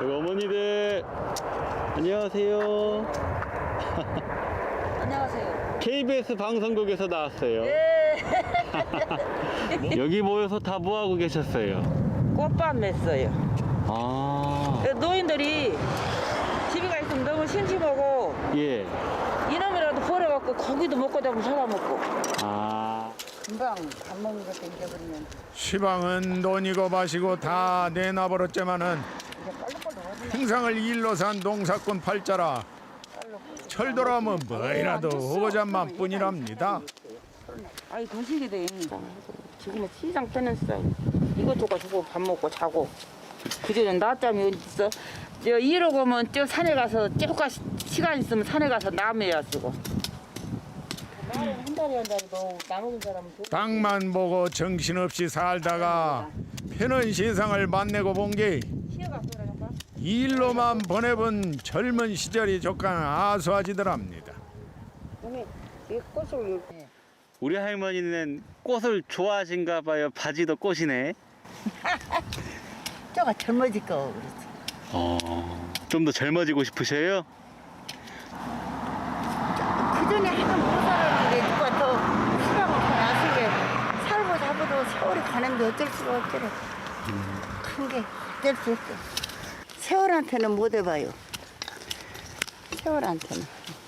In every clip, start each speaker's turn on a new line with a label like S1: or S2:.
S1: 어머니들 안녕하세요.
S2: 안녕하세요.
S1: KBS 방송국에서 나왔어요.
S2: 네.
S1: 여기 모여서 다 뭐하고 계셨어요?
S2: 꽃밭 맸어요.
S1: 아,
S2: 노인들이 집에 가 있으면 너무 심심하고
S1: 예.
S2: 이놈이라도 버려갖고 고기도 먹고 잡으면 잡아먹고.
S1: 아,
S2: 금방 밥 먹는 것도 잊어버리면
S3: 시방은 돈이고 마시고 다 내놔버렸지만은 평상을 일로 산 농사꾼 팔자라 철도라면 뭐이라도 오고잔만 뿐이랍니다.
S2: 아이 거시기 돼. 지금은 시장 빼냈어. 이거 주고 밥 먹고 자고. 그전엔 낮잠이 어디 있어? 저 이러고 오면 저 산에 가서 조금 시간 있으면 산에 가서 나무야 쓰고. 한 달에 너 나먹은 사람은
S3: 땅만 보고 정신없이 살다가 편한 세상을 만나고 본 게 일로만 보내본 젊은 시절이 조금 아수아지더랍니다.
S2: 이 꽃을
S1: 우리 할머니는 꽃을 좋아하신가 봐요. 바지도 꽃이네.
S4: 저가 젊어질 거 그렇지.
S1: 좀 더 젊어지고 싶으셔요?
S4: 그 전에 하면 못 살았는데 누가 더 시간을 더 나서게 살고 잡아도 세월이 가는데 어쩔 수가 없더래. 큰 게 어쩔 수 없어. 세월한테는 못 해봐요. 세월한테는.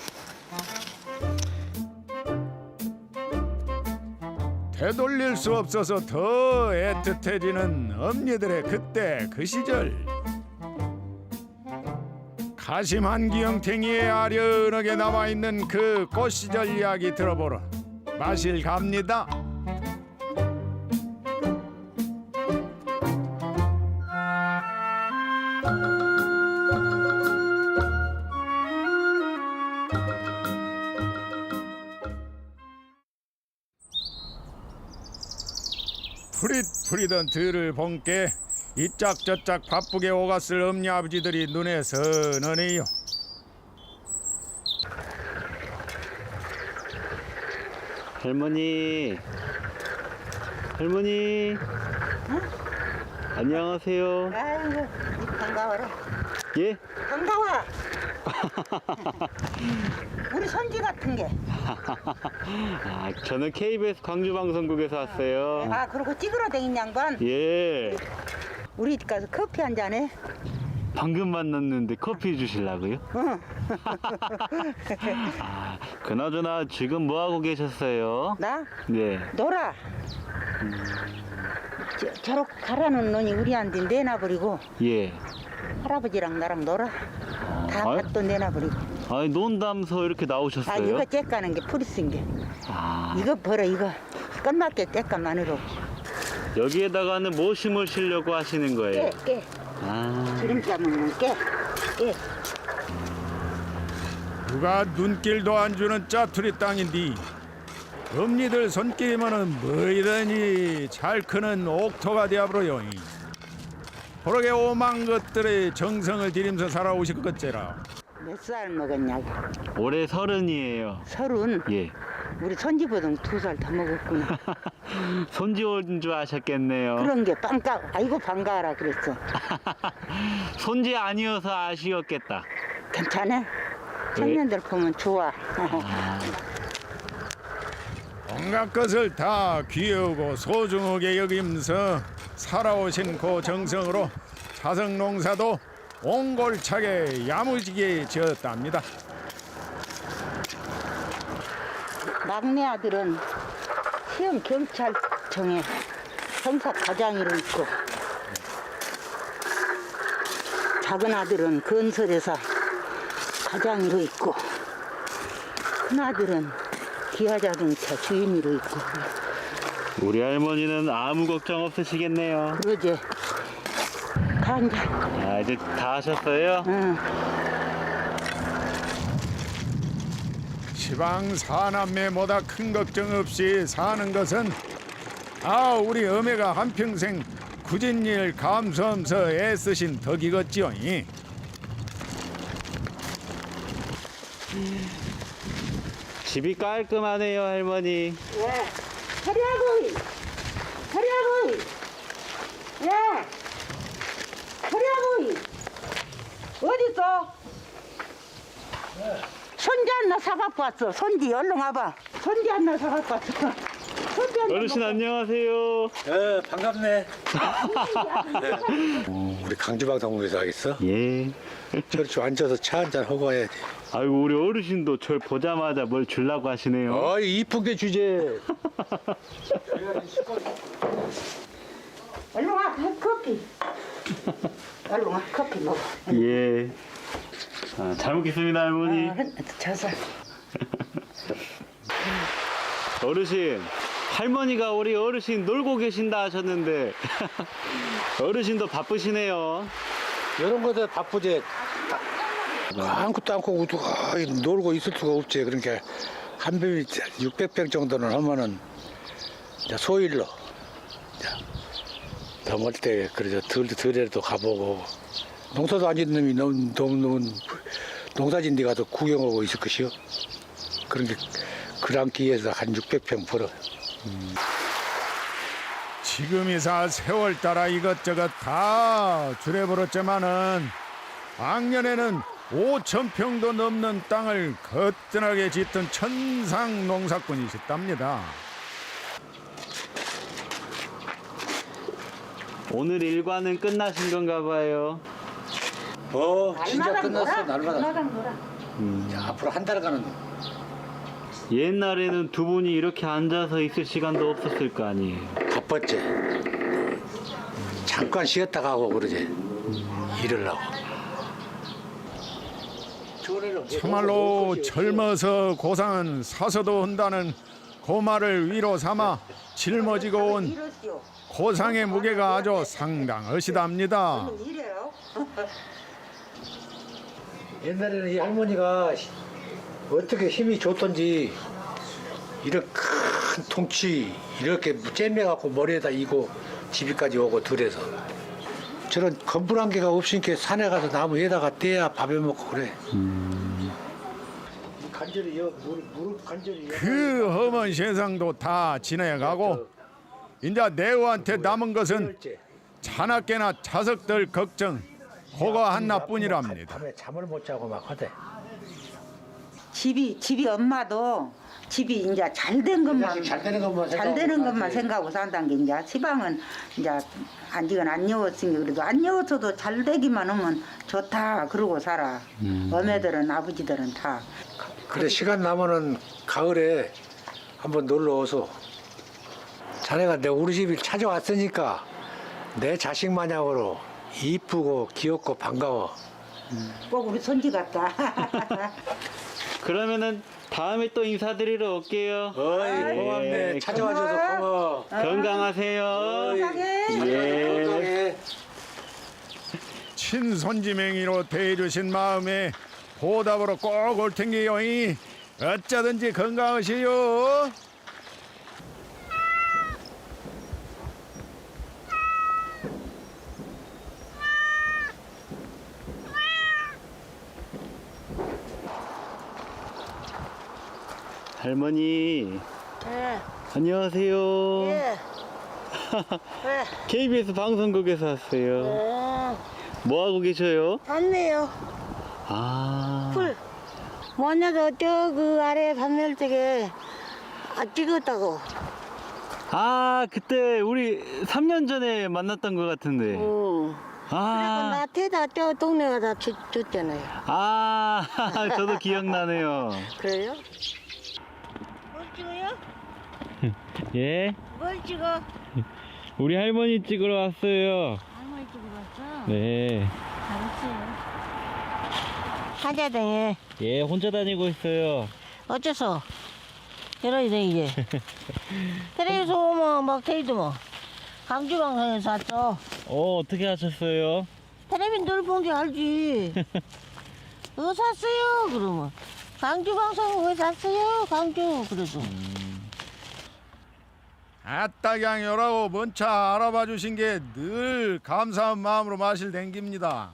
S3: 되돌릴 수 없어서 더 애틋해지는 엄니들의 그때 그 시절. 가심 한 기영탱이에 아련하게 남아있는 그 꽃 시절 이야기 들어보러 마실 갑니다. 푸릿푸릿한 들을 본께 이짝저짝 바쁘게 오갔을 엄니 아버지들이 눈에 선하네요.
S1: 할머니. 할머니. 안녕하세요.
S4: 아이고 반가워라.
S1: 예?
S4: 반가워. 우리 손지 같은 게.
S1: 아, 저는 KBS 광주방송국에서 왔어요.
S4: 아 그리고 찌그러댕인 양반.
S1: 예.
S4: 우리 집 가서 커피 한 잔해.
S1: 방금 만났는데 커피 주실라고요?
S4: 응.
S1: 아, 그나저나 지금 뭐 하고 계셨어요?
S4: 나
S1: 네.
S4: 놀아. 저렇게 가라는 놈이 우리한테 내놔버리고
S1: 예.
S4: 할아버지랑 나랑 놀아. 다
S1: 아이.
S4: 밭도 내놔버리고.
S1: 아니 논담서 이렇게 나오셨어요?
S4: 아 이거 째까는 게 풀이 게.
S1: 아,
S4: 이거 벌어 이거. 끝났게 째까만으로.
S1: 여기에다가는 뭐 심으시려고 하시는 거예요?
S4: 깨.
S1: 아,
S4: 기름자 먹는 깨.
S3: 누가 눈길도 안 주는 짜투리 땅인데 엄니들 손길이면은 뭐이더니 잘 크는 옥토가 되어버려요. 그러게 오만 것들의 정성을 들이면서 살아오실 것째라.
S4: 몇 살 먹었냐고.
S1: 올해 30이에요.
S4: 30.
S1: 예.
S4: 우리 손지보다 2살 더 먹었구나.
S1: 손지 온 줄 아셨겠네요.
S4: 그런 게 반가. 아이고 반가워라 그랬어.
S1: 손지 아니어서 아쉬웠겠다.
S4: 괜찮아. 청년들 보면 좋아.
S3: 온갖 것을 다 귀여우고 소중하게 여기면서 살아오신 그 정성으로 자성 농사도 옹골차게 야무지게 지었답니다.
S4: 막내 아들은 시험 경찰청에 형사 과장으로 있고, 작은 아들은 건설회사 과장으로 있고, 큰 아들은 기아자동차 주임으로 있고.
S1: 우리 할머니는 아무 걱정 없으시겠네요.
S4: 그러지. 간자.
S1: 아, 이제 다 하셨어요?
S4: 응.
S3: 시방 사남매보다 큰 걱정 없이 사는 것은 우리 어머니가 한평생 굳은 일 감수하면서 애쓰신 덕이겠지요.
S1: 집이 깔끔하네요, 할머니.
S4: 예. 허리하고, 허리하고, 예. 허리하고, 어딨어? 손지 하나 사갖고 왔어. 손지 얼른 와봐. 손지 하나 사갖고 왔어. 손지 하나
S1: 어르신
S4: 먹어.
S1: 안녕하세요.
S5: 반갑네. 우리 강주방송국에서 하겠어?
S1: 예.
S5: 저렇게 앉아서 차 한잔 하고 해야지.
S1: 아이고 우리 어르신도 절 보자마자 뭘 주려고 하시네요.
S5: 어이, 이쁜 게 주제.
S4: 얼른 와. 커피. 얼른 와. 커피 먹어.
S1: 예. 아, 잘 먹겠습니다 할머니.
S4: 자서.
S1: 어르신 할머니가 우리 어르신 놀고 계신다 하셨는데 어르신도 바쁘시네요.
S5: 이런 거들 바쁘지. 아무것도 않고 놀고 있을 수가 없지. 그러니까 한 병이 600병 정도는 하면은 이제 소일로 더 멀 때 그래서 들에도 가보고 농사도 안 짓는 놈이 너무 농사진 데 가서 구경하고 있을 것이요. 그런 게 그랑 기에서 한 600평 벌어.
S3: 지금이사 세월 따라 이것저것 다 줄여버렸지만은 작년에는 5,000평도 넘는 땅을 거뜬하게 짓던 천상 농사꾼이셨답니다.
S1: 오늘 일과는 끝나신 건가 봐요.
S5: 진짜 끝났어. 날마다.
S4: 날마다 놀아.
S5: 자, 앞으로 한 달간은
S1: 옛날에는 두 분이 이렇게 앉아서 있을 시간도 없었을 거 아니에요.
S5: 바빴지. 잠깐 쉬었다 가고 그러지. 일을 하고.
S3: 참말로 젊어서 고상은 사서도 한다는 그 말을 위로 삼아 짊어지고 온
S4: 이러시오.
S3: 고상의 무게가 아주 상당하시답니다.
S4: 이래요.
S5: 옛날에는 이 할머니가 어떻게 힘이 좋던지 이런 큰 통치 이렇게 잼매갖고 머리에다 이고 집이까지 오고 들에서 저런 건불한 개가 없으니까 산에 가서 나무 위에다가 떼야 밥에 먹고 그래. 간절히 무릎 간절히
S3: 그 험한 세상도 다 지나가고 이제 내우한테 남은 것은 자나깨나 자석들 걱정 그거 하나뿐이랍니다.
S5: 밤에 잠을 못 자고 막 하대.
S4: 집이 엄마도 집이 이제 잘 된 것만
S5: 잘 되는 것만
S4: 잘 되는 것만 생각하고 산다는 게 이제 지방은 이제 안지건 안 여웠으니 그래도 안 여웠어도 잘 되기만 하면 좋다 그러고 살아. 어머들은 아버지들은 다.
S5: 그래 시간 나면은 가을에 한번 놀러 오소. 자네가 내 우리 집을 찾아왔으니까 내 자식 마냥으로 이쁘고 귀엽고 반가워.
S4: 꼭 우리 손지 같다.
S1: 그러면은 다음에 또 인사드리러 올게요.
S5: 어이 고맙네.
S1: 예,
S5: 찾아와줘서 고마워.
S1: 건강하세요. 예.
S5: 건강해.
S3: 친손지맹이로 대해주신 마음에 보답으로 꼭 올 텐게요. 어쩌든지 건강하시오.
S1: 할머니
S6: 예,
S1: 안녕하세요.
S6: 예, 예,
S1: KBS 방송국에서 왔어요.
S6: 예.
S1: 뭐 하고 계셔요?
S6: 봤네요.
S1: 아.
S6: 풀. 뭐냐도 저 그 아래 반멸쪽에 찍었다고.
S1: 아, 그때 우리 3년 전에 만났던 것 같은데.
S6: 응. 그리고
S1: 아.
S6: 나한테다 저 동네가 다 줬잖아요.
S1: 아, 저도 기억나네요.
S6: 그래요? 뭘 찍어요?
S1: 예?
S6: 뭘 찍어?
S1: 우리 할머니 찍으러 왔어요.
S6: 할머니 찍으러 왔어?
S1: 네.
S6: 잘했어요. 한자등에
S1: 예, 혼자 다니고 있어요.
S6: 어째서? 이러야 돼 이게. 텔레비전 오면 막 테이도 뭐. 강주방송에서 왔어.
S1: 어떻게 하셨어요?
S6: 텔레비전 늘 본 게 알지. 뭐 샀어요? 그러면 강주 방송 왜 샀어요? 강주 그래도.
S3: 아따경이라고 먼 차 알아봐 주신 게 늘 감사한 마음으로 마실 댕깁니다.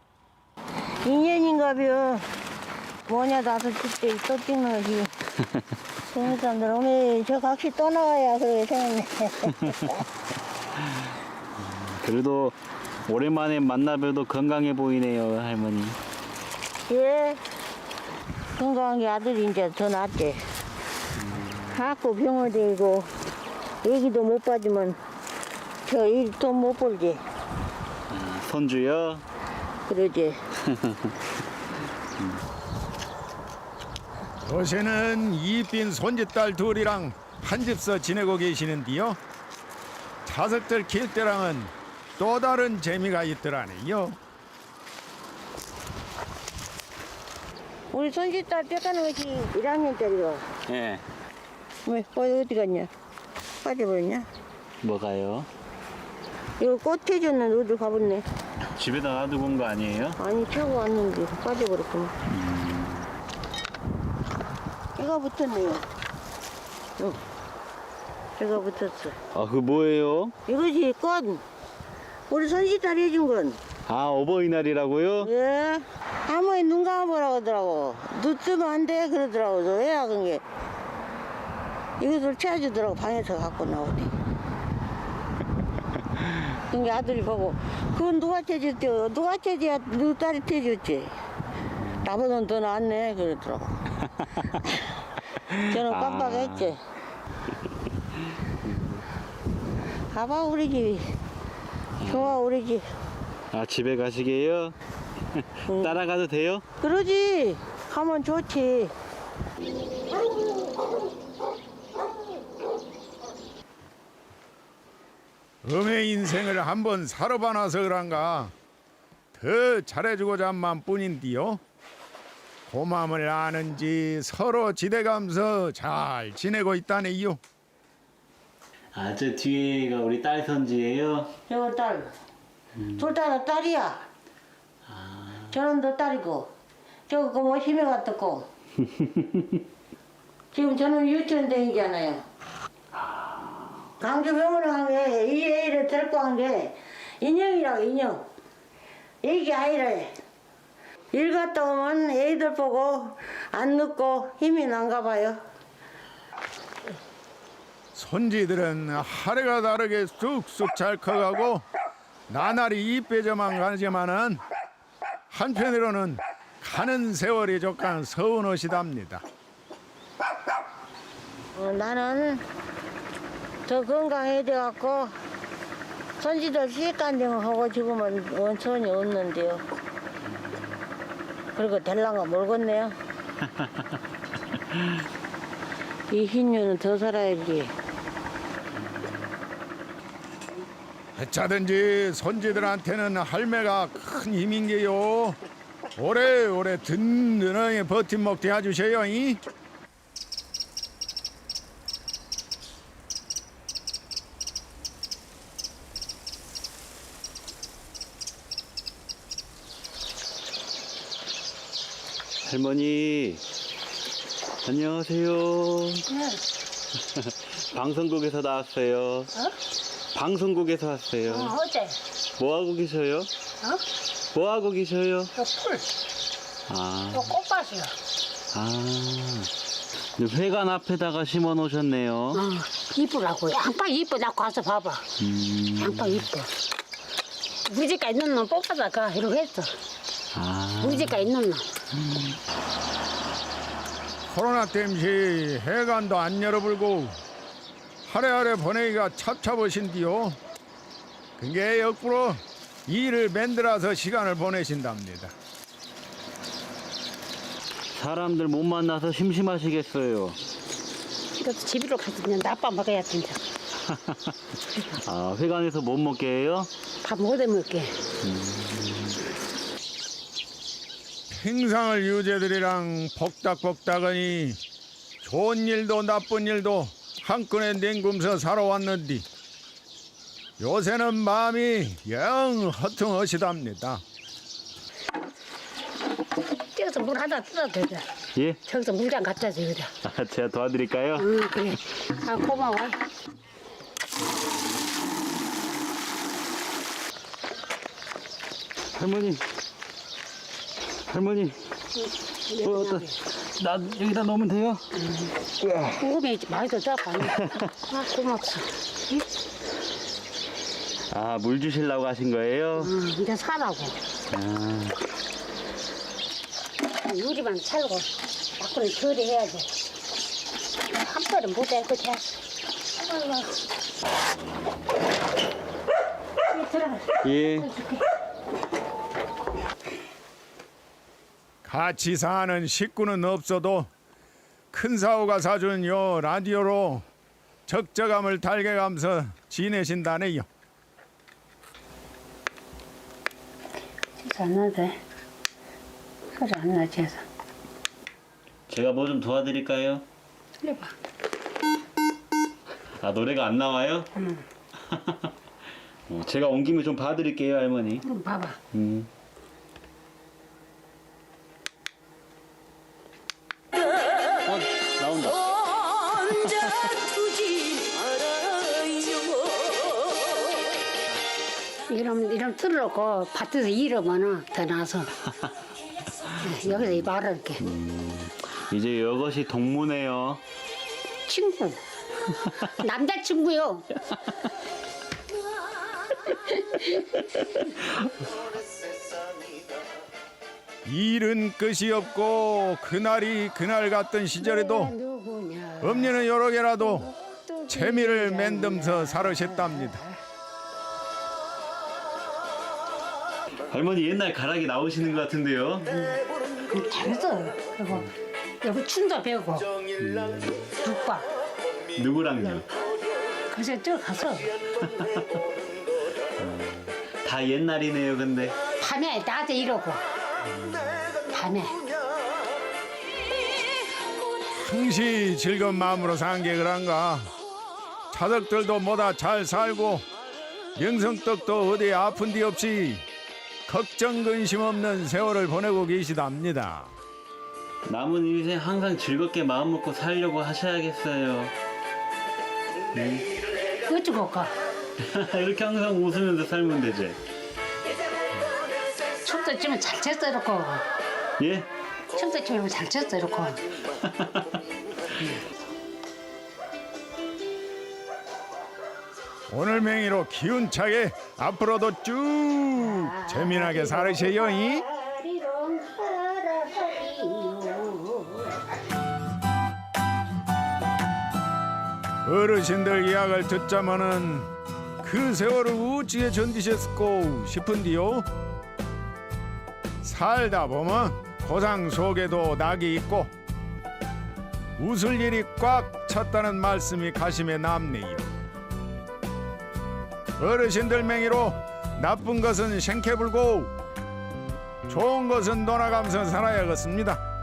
S6: 인연인가벼. 뭐냐 나도 그때 또 찍는 거지. 젊은 사람들 오늘 저 각시 또 나와야 그래 생각네.
S1: 그래도 오랜만에 만나봬도 건강해 보이네요, 할머니.
S6: 예. 건강한 게 아들이 이제 더 낫지. 자꾸 병원 데이고 애기도 못 봐주면 저 일 돈 못 벌지.
S1: 손주요?
S6: 그러지.
S3: 요새는 이쁜 손짓딸 둘이랑 한 집서 지내고 계시는데요. 자석들 킬 때랑은 또 다른 재미가 있더라네요.
S6: 우리 손짓딸 뼈가는 것이 1학년짜리가.
S1: 예.
S6: 왜? 어디 갔냐? 빠져버렸냐?
S1: 뭐가요?
S6: 이거 꽃 해줬는데 어디 가봤네.
S1: 집에다 놔두고 온 거 아니에요?
S6: 아니, 차고 왔는데 빠져버렸구만. 얘가 붙었네요. 응. 얘가 붙었어.
S1: 아, 그 뭐예요?
S6: 이거지, 꽃. 우리 손짓딸이 해준 건.
S1: 아, 어버이날이라고요?
S6: 예. 할머니 눈 감아보라고 하더라고. 눈 뜨면 안 돼 그러더라고. 저 왜야 그게. 이것을 채워주더라고. 방에서 갖고 나오대. 그게 아들이 보고 그건 누가 채줬대요. 누가 채줘야 누 딸이 채줬지. 나보다는 더 낫네 그러더라고. 저는 깜빡했지. 가봐 우리 집이. 좋아 우리 집.
S1: 아, 집에 가시게요? 따라가도 돼요?
S6: 그러지. 가면 좋지.
S3: 음의 인생을 한번 살아봐놔서 그런가 더 잘해주고자 한만 뿐인데요. 고마움을 아는지 서로 지대감서 잘 지내고 있다네요.
S1: 아, 저 뒤에가 우리 딸 손주예요?
S6: 저거 딸. 둘 다 딸이야. 저는 너 딸이고. 저거 뭐 힘에 갔었고. 지금 저는 유치원 다니잖아요. 강주 병원에 간 게 이 애를 데리고 간 게 인형이라고 인형. 애기 아이래. 일 갔다 오면 애들 보고 안 눕고 힘이 난가 봐요.
S3: 손지들은 하루가 다르게 쑥쑥 잘 커가고 나날이 이빼져만 가지만은 한편으로는 가는 세월이 조금 서운하시답니다.
S6: 나는 더 건강해져갖고 손지들 시간정하고 지금은 원천이 없는데요. 그리고 될랑가 모르겠네요. 이 흰년은 더 살아야지.
S3: 어쩌든지 손지들한테는 할매가 큰 힘인 게요. 오래오래 든든하게 버팀목 대해주셔요. 이?
S1: 할머니, 안녕하세요. 방송국에서 나왔어요. 방송국에서 왔어요.
S6: 어제
S1: 뭐 하고 계셔요? 뭐 하고 계셔요?
S6: 풀,
S1: 아,
S6: 꽃밭이요.
S1: 회관 앞에다가 심어 놓으셨네요.
S7: 이쁘라고. 양파 이쁘다고 가서 봐봐. 양파 이뻐. 우리 집가 있는 놈 뽑아다가 이러고 했어. 우리 집가 있는 놈.
S3: 코로나 땜시 해관도 안 열어불고 하래하래 보내기가 찹찹하신디요. 그게 역부로 일을 만들어서 시간을 보내신답니다.
S1: 사람들 못 만나서 심심하시겠어요.
S7: 이것도 집으로 가서 그냥 나빠 먹어야 된다.
S1: 아, 회관에서 못 먹게 해요?
S7: 밥 못해 먹게.
S3: 평상을 유재들이랑 복닥복닥하니 좋은 일도 나쁜 일도 한끈에 냉금서 살아왔는데 요새는 마음이 영 허퉁하시답니다.
S7: 저기서 물 하나 뜯어도 되자.
S1: 예?
S7: 저기서 물장 갖다 줘, 그래.
S1: 아, 제가 도와드릴까요?
S7: 응, 그래. 아, 고마워.
S1: 할머니, 나 여기다 넣으면 돼요?
S7: 궁금해, 많이 더 잡아. 아, 고맙소.
S1: 아, 물 주시려고 하신 거예요?
S7: 응, 이제 사라고. 그냥 유리만 살고 밖으로 덜 해야지. 한 번은 못해 그렇게. 들어가.
S1: 예.
S3: 같이 사는 식구는 없어도 큰 사오가 사준 요 라디오로 적적함을 달래가면서 지내신다네요.
S7: 진짜 안 나대. 소리 안 나지 해서.
S1: 제가 뭐 좀 도와드릴까요?
S7: 해봐.
S1: 아, 노래가 안 나와요?
S7: 응.
S1: 제가 온 김에 좀 봐드릴게요, 할머니.
S7: 그럼 봐봐.
S1: 나온다.
S7: 이름 틀어놓고 밭에서 일하면은 더 나서. 여기서 이 말을 이렇게.
S1: 이제 이것이 동무네요.
S7: 친구. 남자친구요.
S3: 일은 끝이 없고 그날이 그날 같던 시절에도
S7: 누구냐.
S3: 엄니는 여러 개라도 재미를 맨듬서 살으셨답니다.
S1: 할머니 옛날 가락이 나오시는 것 같은데요?
S7: 잘했어. 그리고 여기 춤도 배우고 북박.
S1: 누구랑요?
S7: 그래서 저 가서
S1: 다 옛날이네요, 근데.
S7: 밤에 낮에 이러고 밤에
S3: 흥시 즐거운 마음으로 산 게 그런가. 자석들도 뭐다 잘 살고 명성떡도 어디 아픈 데 없이 걱정 근심 없는 세월을 보내고 계시답니다.
S1: 남은 인생 항상 즐겁게 마음 먹고 살려고 하셔야겠어요.
S7: 어쩌고
S1: 이렇게 항상 웃으면서 살면 되지.
S7: 춤도 추면 잘 췄어 이렇게.
S1: 예?
S7: 춤도 추면 잘 췄어 이렇게.
S3: 오늘 맹이로 기운차게 앞으로도 쭉 재미나게 살으세요. 이? 어르신들 이야기를 듣자마는 그 세월을 어찌게 견디셨을까 싶은데요. 살다 보면 고상 속에도 낙이 있고 웃을 일이 꽉 찼다는 말씀이 가심에 남네요. 어르신들 맹이로 나쁜 것은 생캐불고 좋은 것은 놀아가면서 살아야겠습니다.